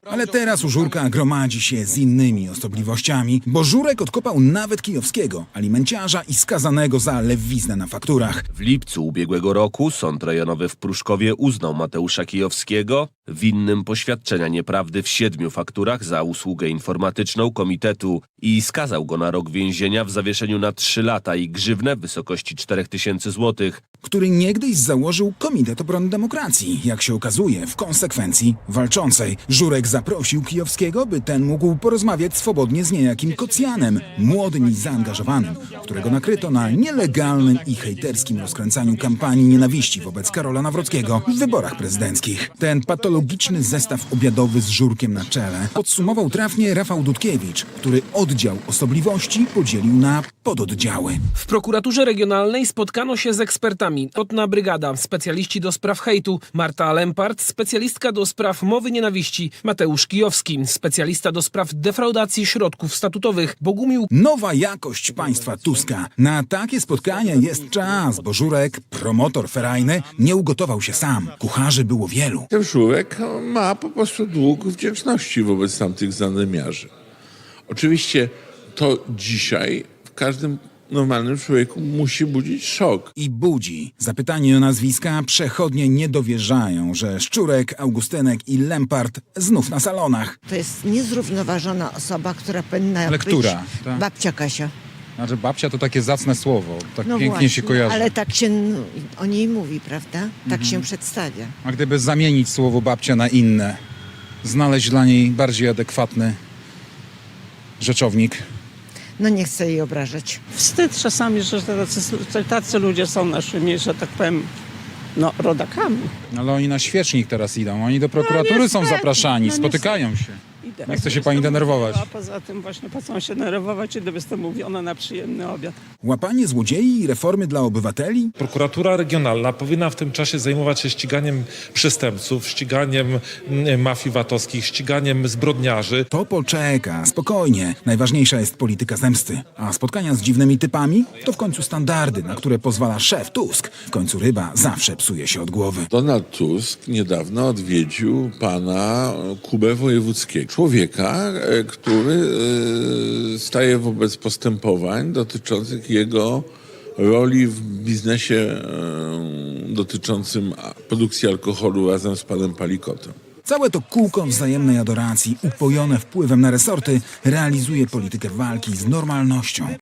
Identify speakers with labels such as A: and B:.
A: Ale teraz u Żurka gromadzi się z innymi osobliwościami, bo Żurek odkopał nawet kijowskiego, alimenciarza i skazanego za lewiznę na fakturach.
B: W lipcu ubiegłego roku Sąd Rejonowy w Pruszkowie uznał Mateusza Kijowskiego winnym poświadczenia nieprawdy w 7 fakturach za usługę informatyczną komitetu i skazał go na rok więzienia w zawieszeniu na 3 lata i grzywnę w wysokości 4000 złotych.
A: Który niegdyś założył Komitet Obrony Demokracji, jak się okazuje, w konsekwencji walczącej. Żurek zaprosił Kijowskiego, by ten mógł porozmawiać swobodnie z niejakim Kocjanem, młodym i zaangażowanym, którego nakryto na nielegalnym i hejterskim rozkręcaniu kampanii nienawiści wobec Karola Nawrockiego w wyborach prezydenckich. Ten patologiczny zestaw obiadowy z Żurkiem na czele podsumował trafnie Rafał Dudkiewicz, który oddział osobliwości podzielił na pododdziały.
C: W prokuraturze regionalnej spotkano się z ekspertami. Otna Brygada, specjaliści do spraw hejtu, Marta Lempart, specjalistka do spraw mowy nienawiści, Mateusz Kijowski, specjalista do spraw defraudacji środków statutowych, Bogumił.
A: Nowa jakość państwa Tuska. Na takie spotkania jest czas, bo Żurek, promotor ferajny, nie ugotował się sam. Kucharzy było wielu.
D: Ten Żurek ma po prostu dług wdzięczności wobec tamtych zanemiarzy. Oczywiście to dzisiaj w każdym normalnym człowieku musi budzić szok.
A: I budzi. Zapytani o nazwiska przechodnie nie dowierzają, że Szczurek, Augustynek i Lempart znów na salonach.
E: To jest niezrównoważona osoba, która powinna
F: Ale
E: być
F: która? Ta-
E: babcia Kasia.
F: Znaczy babcia to takie zacne słowo, tak
E: No
F: pięknie
E: właśnie,
F: się kojarzy.
E: ale tak się o niej mówi, prawda? Tak się przedstawia.
F: A gdyby zamienić słowo babcia na inne, znaleźć dla niej bardziej adekwatny rzeczownik.
E: No nie chcę jej obrażać.
G: Wstyd czasami, że tacy ludzie są naszymi, że tak powiem, no, rodakami.
F: Ale oni na świecznik teraz idą, oni do prokuratury są zapraszani, spotykają się. Nie chce się pani denerwować.
G: A poza tym właśnie po co mam się denerwować, kiedy jestem mówiona na przyjemny obiad.
A: Łapanie złodziei i reformy dla obywateli?
H: Prokuratura regionalna powinna w tym czasie zajmować się ściganiem przestępców, ściganiem mafii VAT-owskich, ściganiem zbrodniarzy.
A: To poczeka, spokojnie. Najważniejsza jest polityka zemsty. A spotkania z dziwnymi typami to w końcu standardy, na które pozwala szef Tusk. W końcu ryba zawsze psuje się od głowy.
D: Donald Tusk niedawno odwiedził pana Kubę Wojewódzkiego. Człowieka, który staje wobec postępowań dotyczących jego roli w biznesie dotyczącym produkcji alkoholu razem z panem Palikotem.
A: Całe to kółko wzajemnej adoracji, upojone wpływem na resorty, realizuje politykę walki z normalnością.